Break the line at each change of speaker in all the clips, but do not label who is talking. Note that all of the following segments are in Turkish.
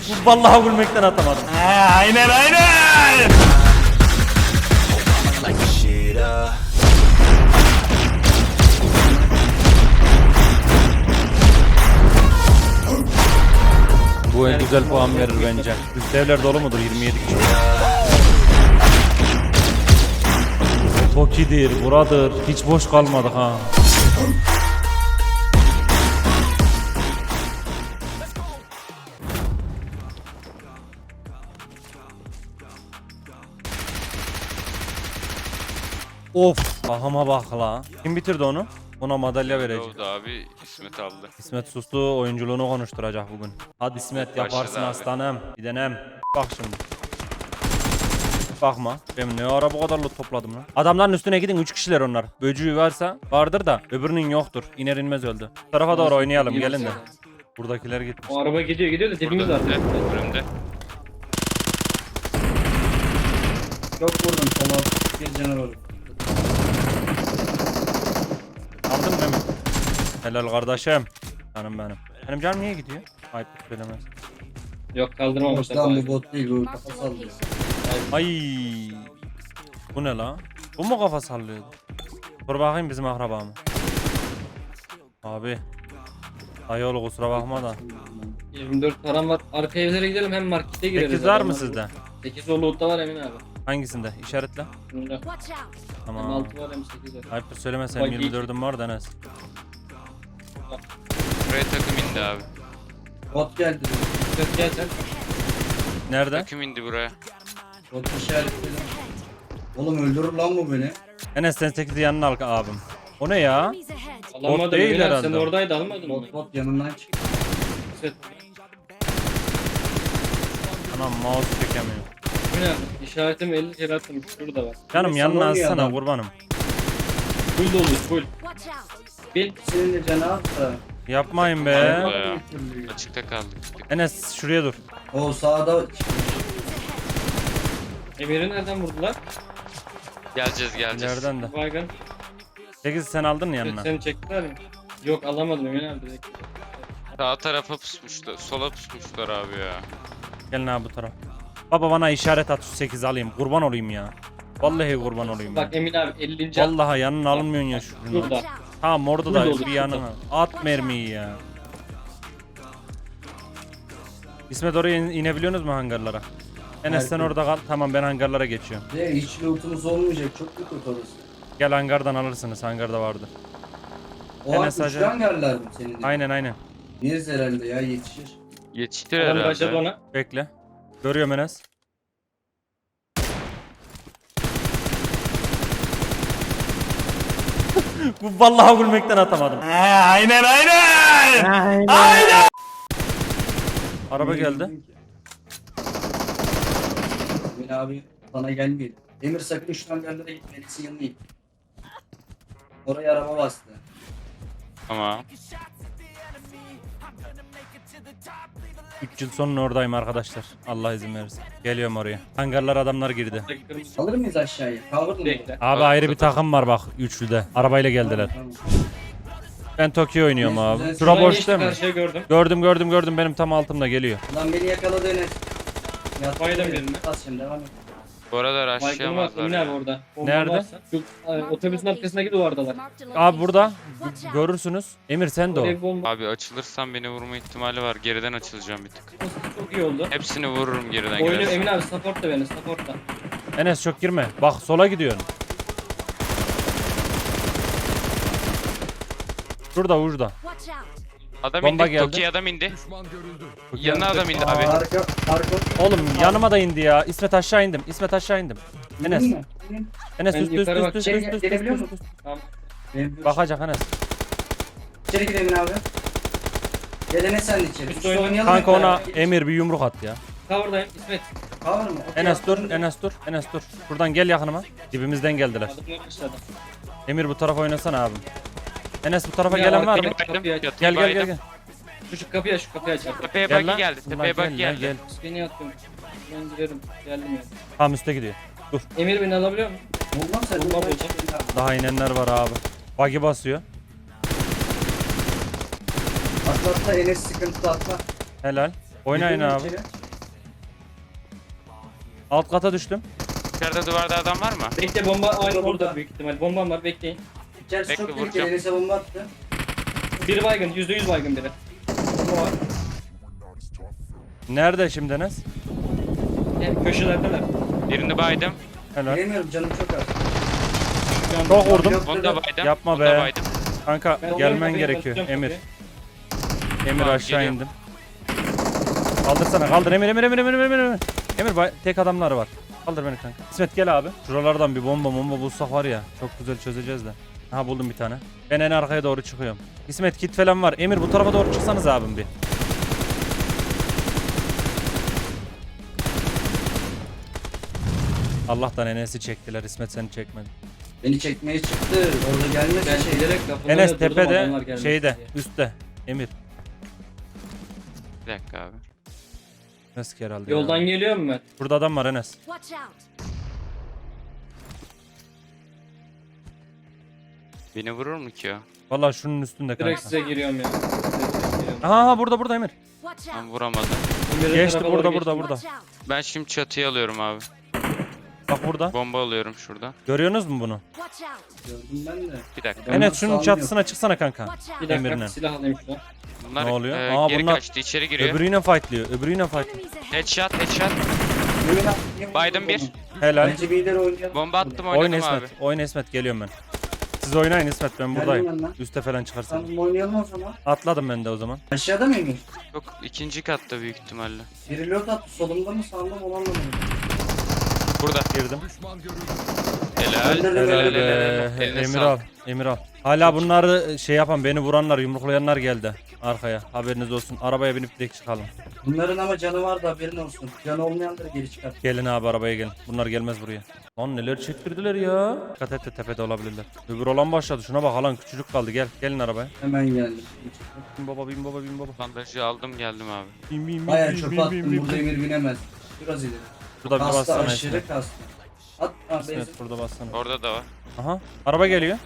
Vallahi gülmekten atamadım.
Aynen aynen.
Bu en güzel puan verir bence. Üst evler dolu mudur? 27 kişi. Toki'dir, buradır. Hiç boş kalmadık ha. Of, ahıma bak la. Kim bitirdi onu? Ona madalya verecek.
Oldu abi, İsmet aldı.
İsmet sustu, oyunculuğunu konuşturacak bugün. Hadi İsmet, yaparsın
Başladı abi.
aslanım. Bir denem. Bak şimdi. Bakma. Ben ne ara bu kadar loot topladım lan. Adamların üstüne gidin, 3 kişiler onlar. Böcüğü varsa vardır da öbürünün yoktur. İner inmez öldü. Bu tarafa doğru oynayalım, gelin de. Buradakiler gitmiş.
O araba gidiyor da dibimiz var.
Önümde.
Yok vurdum sola. Bir canavar.
Aldın mı Mehmet? Helal kardeşim. Canım benim. Benim canım niye gidiyor? Ayıp söylemez.
Yok kaldırmamışlar.
Lan bu bot değil bu kafa sallıyor.
Ay. Bu ne la? Bu mu kafa sallıyordu? Dur bakayım bizim akraba mı? Abi. Ayol kusura bakma da.
24 param var. Arka evlere gidelim hem markete gireriz.
8 var mı
Adamlar-
sizde?
8 o loot'ta var Emin abi.
Hangisinde? İşaretle.
Bunda.
Watch out!
Hem
Tamam.
6 var hem 8 var.
Ayıptır söylemesem
Bak,
24'üm var da Enes.
Buraya takım indi abi.
Bot geldi.
Yok gel sen.
Nerede?
Takım indi buraya.
Bot işaretledim. Oğlum öldürür lan bu beni.
Enes sen 8'i yanına al abim. O ne ya?
Enemies ahead!
Alamadım
değil
Emin abi
herhalde.
sen oradaydı almadın mı?
Bot yanından çıktı.
Set.
Anam mouse çekemiyor.
Emin abi işaretimi 50 kere attım. Şurada var.
Canım
Sana
yanına
oynuyor
alsana
adam.
kurbanım.
Full dolu full.
Watch out!
Bir
Senin de canı at da.
Yapmayın be.
Bayağı. Açıkta kaldık.
Enes şuraya dur.
O sağda çıktı.
Emir'i nereden vurdular?
Geleceğiz.
İleriden de.
Baygın.
8'i sen aldın mı yanına?
Seni çektiler mi? Yok alamadım Emin abi direkt.
Sağ tarafa pusmuşlar. Sola pusmuşlar abi ya.
Gelin abi bu taraf. Baba bana işaret at şu 8 alayım. Kurban olayım ya. Vallahi kurban olayım ya.
Bak Emin abi 50.
Vallahi yanına alınmıyorsun ya şunu.
Burada.
Watch out!
Tamam orada
Burada
da
olur,
bir yanına. At mermiyi ya. İsmet oraya inebiliyorsunuz mu hangarlara? Enes sen
Belki.
orada kal. Tamam ben hangarlara geçiyorum.
De hiç lootumuz olmayacak. Çok kötü orası.
Gel hangardan alırsınız. Hangarda vardır.
O
Enes
an
Hacı.
uçtan geldiler mi senin de?
Aynen aynen.
Yeriz herhalde ya yetişir.
Yetiştir
Adam başladı
herhalde.
ona.
Bekle. Görüyorum Enes. Bu vallahi gülmekten atamadım.
Aynen aynen.
Araba geldi.
Emin abi sana gelmeyelim. Emir sakın uçtan yerlere gitme. Enes'in yanına git. Oraya araba bastı.
Tamam.
3 yıl sonra oradayım arkadaşlar. Allah izin verirse. Geliyorum oraya. Hangarlar adamlar girdi.
Kırmızı.
Alır mıyız aşağıya? Kavurdun mu?
Bekle.
Abi ayrı bir takım var bak üçlüde. Arabayla geldiler.
Tamam.
Ben Tokyo oynuyorum
Güzel,
abi.
güzel.
Şura
Şuradan
boş
geçti,
değil mi?
Karşıya gördüm.
Gördüm benim tam altımda geliyor.
Lan beni yakaladı Enes.
Baydım birini.
Bas şimdi devam et.
Bu arada
Baygın'ı var
rushlayamazlar
Emin abi
ya.
orada. Bomba
Nerede?
varsa. Şu otobüsün arkasındaki duvardalar.
Marked a
Abi
location.
burada
Watch out!
görürsünüz. Emir sen de o.
Oraya bir bomba
Abi açılırsan beni vurma ihtimali var. Geriden açılacağım bir tık.
çok iyi oldu.
Hepsini vururum geriden
Oyunu
gidersen.
Emin abi support da beni support da.
Enes çok girme. Bak sola gidiyorsun. Şurada.
Watch out!
Adam
Bomba
indi.
geldi.
Toki adam indi. Yanına adam indi abi.
Arka.
Oğlum yanıma da indi ya. İsmet aşağı indim. Enes.
İndin mi?
Enes
Ben
üst
yukarı bak-
Gelebiliyor
üst.
musun?
Tamam.
Benim
Bakacak Enes.
İçeri gidelim abi. Gel Enes sen de içeri.
Üst
Üstü
oynayalım.
oynayalım.
Kanka
hep
ona
beraber.
Emir bir yumruk at ya.
Cover'dayım İsmet.
Cover mı? Okey,
Enes dur,
attım.
Enes dur. Şuradan gel yakınıma. Dibimizden geldiler.
Adımlar başladı.
Emir bu tarafa oynasana abim. Enes bu tarafa
Ya,
gelen var mı?
arkaya- Kapıyı aç.
Gel.
Şu kapıyı aç.
Tepeye
Gel
buggy
lan.
geldi.
Ulan
Tepeye
gel
buggy
lan,
geldi.
gel.
Beni attım. Ben girerim. Geldim ya.
Tam üstte gidiyor. Dur.
Emir beni alabiliyor musun?
Olmaz sen.
Bomba
Bomba
bulacağım.
Daha inenler var abi. Buggy basıyor.
Atla Enes sıkıntı atla.
Helal. Oynayın
Giriyorum
abi.
içeri.
Alt kata düştüm.
İçeride duvarda adam var mı?
Bekle bomba aynı
Burada.
orada büyük ihtimal. Bombam var bekleyin.
İçerisi
Bekle,
çok tehlikeli.
vuracağım.
Enes'e bomba attı.
Biri baygın %100 baygın biri. Bomba var.
Nerede şimdi Enes?
Yani köşelerdeler.
Birini baydım.
Helal.
Bilemiyorum canım çok az.
Şu an
Çok vurdum.
Yok
Onu
dedi.
da baydım.
Yapma
Onu
be.
da baydım.
Kanka
Ben
gelmen
kapıyı
gerekiyor.
kapatacağım
Emir.
kapıyı.
Emir
Tamam,
aşağı
geliyorum.
indim. Kaldırsana kaldır Emir. Emir tek adamları var. Kaldır beni kanka. İsmet gel abi. Şuralardan bir bomba bulsak var ya. Çok güzel çözeceğiz de. Aha buldum bir tane. Ben en arkaya doğru çıkıyorum. İsmet kit falan var. Emir bu tarafa doğru çıksanız abim bir. Allah'tan Enes'i çektiler. İsmet seni çekmedi.
Beni çekmeye çıktı. Orada gelmesi
Ben
şey.
bilerek lafını
Enes
durdum, adamlar
tepede
gelmesin
şeyde
diye.
üstte. Emir.
Bir dakika abi.
Enes herhalde.
Yoldan
ya.
geliyor mu ben?
Burada adam var Enes.
Watch out!
Beni vurur mu ki o?
Vallahi şunun üstünde
Direkt
kanka.
size giriyorum ya. Direkt giriyorum.
Aha burada Emir.
Watch
Ben
out!
vuramadım.
Emir'in
Geçti
tarafa doğru
burada.
Watch out!
Ben şimdi çatıya alıyorum abi.
Bak burada.
Bomba alıyorum şurada.
Görüyorsunuz mu bunu?
Watch out!
Gördüm ben de.
Bir dakika.
Ben
Enes
nasıl
şunun
anlıyorum?
çatısına çıksana kanka.
Watch out!
Bir dakika
Emir'le.
silah alayım şuradan.
Bunlar
Ne oluyor? Aa,
geri
bunlar-
kaçtı. İçeri giriyor.
Öbürüyle fightlıyor.
Enemies ahead!
Headshot.
Yürü,
Baydım bir.
Helal.
Bence bir ileri oynayalım.
Bomba attım
Oyna
oynadım abi.
İsmet. Oyna İsmet geliyorum ben. Siz oynayın İsmet ben buradayım.
Geldim ben lan.
Üste falan çıkarsan.
Tamam oynayalım o zaman.
Atladım ben de o zaman.
Aşağıda mıymış?
Yok ikinci katta büyük ihtimalle.
Biri lot attı. Solumda mı sağımda mı onu anlamadım.
Burada.
Girdim.
Helal.
Öldürdüm,
Helal
öldürdüm.
be.
Eline
Emir
sağlık.
al. Emir al. Hala bunları şey yapan beni vuranlar yumruklayanlar geldi. Arkaya. Haberiniz olsun. Arabaya binip direkt çıkalım.
Bunların ama canı var da haberin olsun. Canı olmayanları geri çıkar.
Gelin abi arabaya gelin. Bunlar gelmez buraya. Lan neler çektirdiler ya. Dikkat et de tepede olabilirler. Öbür olan başladı. Şuna bak alan küçücük kaldı. Gel. Gelin arabaya.
Hemen geldim.
Bin baba bin baba bin baba.
Bandajı aldım geldim abi.
Bin
Bayağı çöpe attım. Burada Emir binemez. Biraz ileri.
Burada bir
Kastı
bassana
aşırı
İsmet.
kastı. At. Ha, benzin.
İsmet burada bassana.
Orada da var.
Aha. Araba geliyor.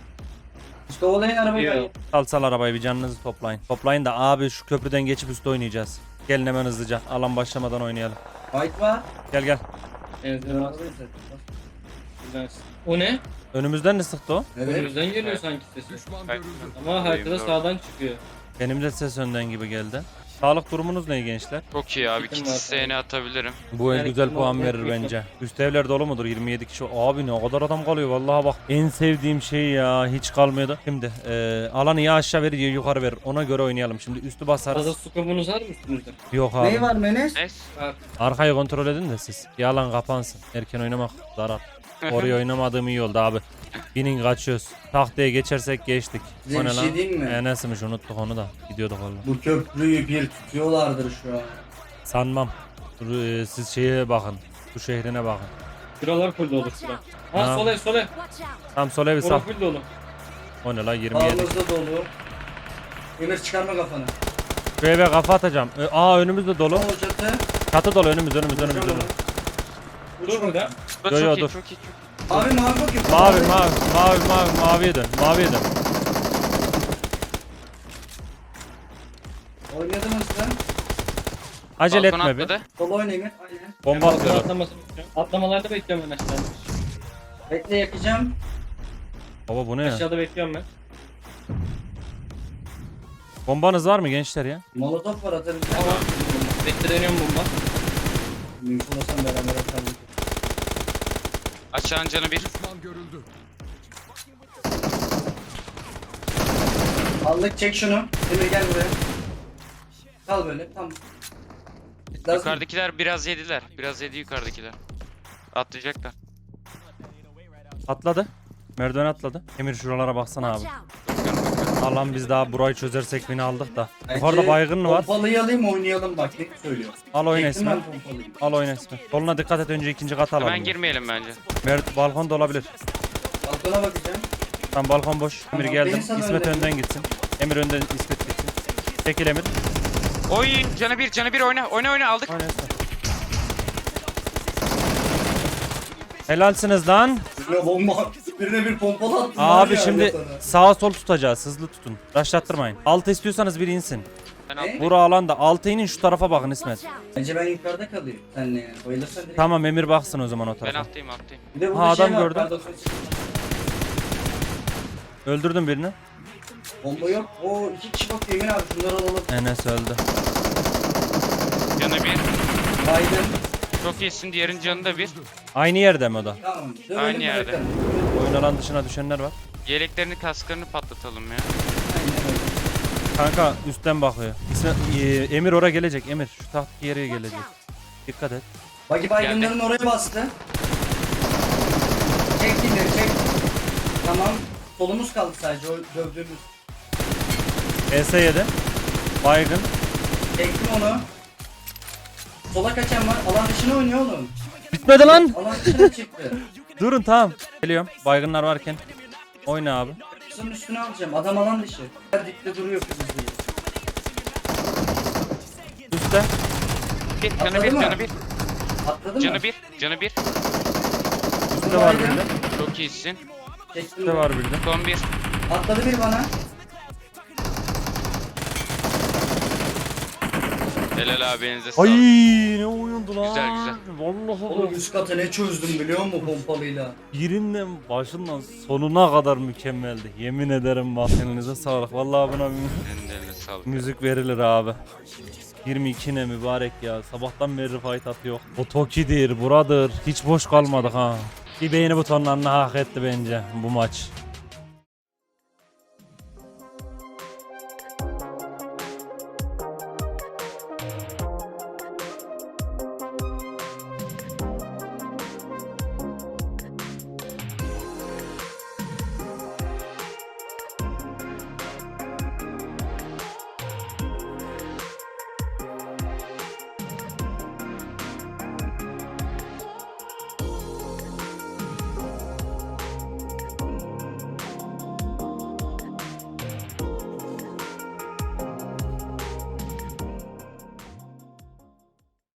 İşte olayın arabayı
Yok.
ben.
Sal arabayı bir canınızı toplayın. Toplayın da abi şu köprüden geçip üstte oynayacağız. Gelin hemen hızlıca. Alan başlamadan oynayalım.
Fight var.
Gel.
Evet,
Ben arabayı zaten.
güzel. O ne?
Önümüzden de sıktı o.
Evet.
Önümüzden geliyor sanki sesi.
Bak,
Ama haritada
doğru.
sağdan çıkıyor.
Benim de ses önden gibi geldi. Sağlık durumunuz ne gençler?
Çok iyi abi.
Kitim
Kit
var
isteğini atabilirim.
Bu el
Yani
güzel
kim
puan
aldı,
verir
kim
bence. Üst evler dolu mudur? 27 kişi. Abi ne kadar adam kalıyor vallahi bak. En sevdiğim şey ya hiç kalmıyordu. Şimdi alanı ya aşağı verir ya yukarı verir. Ona göre oynayalım. Şimdi üstü
Fazla
basarız.
scope'unuz var mı üstünüzde?
Yok abi.
Neyi var Menes?
Neyse.
Var.
Arkayı kontrol edin de siz. Bir alan kapansın. Erken oynamak zarar. Oraya oynamadığım iyi oldu abi. Binin kaçıyoruz. Tahtaya geçersek geçtik.
Size
O
bir
ne
şey
lan?
diyeyim mi?
Enes'miş unuttuk onu da. Gidiyorduk valla.
Bu köprüyü bir tutuyorlardır şu an.
Sanmam. Siz şeye bakın. Bu şehrine bakın.
Şuralar full dolu şura.
Ha.
Ha sol ev sol ev.
Watch out!
Tam sol evi sal.
Orası full dolu.
O ne lan 27.
Sağımızda dolu. Emir çıkarma kafanı.
Şu eve kafa atacağım. Önümüzde dolu.
Sol çatı.
Çatı dolu önümüz.
Vuracağım
önümüz.
onu.
Dur burada.
Bu
Yo, yo,
çok iyi
dur.
çok iyi.
Abi mavi bakayım.
Maviye dön. Maviye dön.
Oynadınız lan.
Acele
Balkona
etme bir.
atladı.
Sol oyna Emir. Aynen.
Bomba
Ben
atıyor.
atlamasını bekliyorum. Atlamalarda bekliyorum ben aşağıda.
Bekle yakacağım.
Baba bu ne ya?
Aşağıda bekliyorum ben.
Bombanız var mı gençler ya?
Molotof var atabileceğim.
Tamam. Bekle dönüyorum bomba.
Mümkün olsam beraber atalım.
Aşağının canı bir.
Aldık çek şunu. Emir gel buraya. Kal böyle tam. Lazım.
Yukarıdakiler biraz yediler. Biraz yedi yukarıdakiler. Atlayacaklar.
Atladı. Merdiven atladı. Emir şuralara baksana abi.
Watch out!
Bakıyorum bakıyorum.
Allah'ım biz daha burayı çözersek beni aldık da.
Bence
Yukarıda baygın var.
Pompalıyı alayım oynayalım bak ne söylüyor.
Al oyna
Çektim
İsmet.
ben pompalıyı.
Al oyna İsmet. Soluna dikkat et önce ikinci kata alalım.
Hemen girmeyelim bence.
Balkon da olabilir.
Balkona bakacağım.
Tam balkon boş. Emir
Tamam,
geldim.
beni sana
İsmet
önden.
önden gitsin. Emir önden İsmet gitsin. Çekil Emir.
Oy canı bir oyna. Oyna aldık.
Oyna İsmet. Helalsiniz lan.
Birine bomba. Birine bir pompalı attım. var
Abi
ya,
şimdi
öyle sana.
sağa sol tutacağız. Hızlı tutun. Raşlattırmayın. Altı istiyorsanız biri insin.
Ben
Ne?
atlayayım.
Bura alanda. Altı inin şu tarafa bakın İsmet.
Bence ben yukarıda kalayım. Senle yani. Bayılırsan direkt.
Tamam Emir baksın o zaman o
Ben
tarafa.
atlayayım.
Bir de burada
Ha, adam
şey var.
gördüm.
Pardon,
Öldürdüm birini.
bomba yok. O 2 kişi bakıyor Emin abi. Şunları alalım.
Enes öldü.
Canı bir.
Baygın.
Çok iyisin. Diğerinin canı da bir.
Aynı yerde mi o da?
Tamam. Dövelim
Aynı yerde.
bırakalım.
Oyun alan dışına düşenler var.
Yeleklerini kasklarını patlatalım ya.
Aynen öyle.
Kanka üstten bakıyor. Emir oraya gelecek. Emir şu tahtaki yere gelecek. Dikkat et.
Bagi baygınların oraya bastı. Çek dinleri çek. Tamam. Solumuz kaldı sadece o dövdüğümüz.
ES7. Baygın.
Çektim onu. Sola kaçan var. Alan dışına oynuyor oğlum.
Bitmedi lan.
Alan dışına çıktı.
Durun tamam. Geliyorum. Baygınlar varken. Oyna abi.
Kızın üstüne alacağım. Adam alan dışı. Her dikte duruyor kız diye.
Üstte.
Bir, canı
Atladı
bir,
mı?
canı bir.
Atladı mı?
Canı bir, canı bir.
Üstte var bir de.
Çok iyisin.
Çektim.
Üstte var bir de.
Son bir.
Atladı bir bana.
Helal abi elinize
Ay
sağlık.
ne oyundu lan.
Güzel, güzel.
Vallahi
Oğlum üst katı ne çözdüm biliyor musun pompalıyla?
birinden başından sonuna kadar mükemmeldi. Yemin ederim bak. Elinize sağlık. Vallahi buna bir
Senin de eline sağlık.
müzik verilir abi. 22 ne mübarek ya. Sabahtan beri fight atıyor. O Toki'dir, buradır. Hiç boş kalmadık ha. Bir beğeni butonlarını hak etti bence bu maç.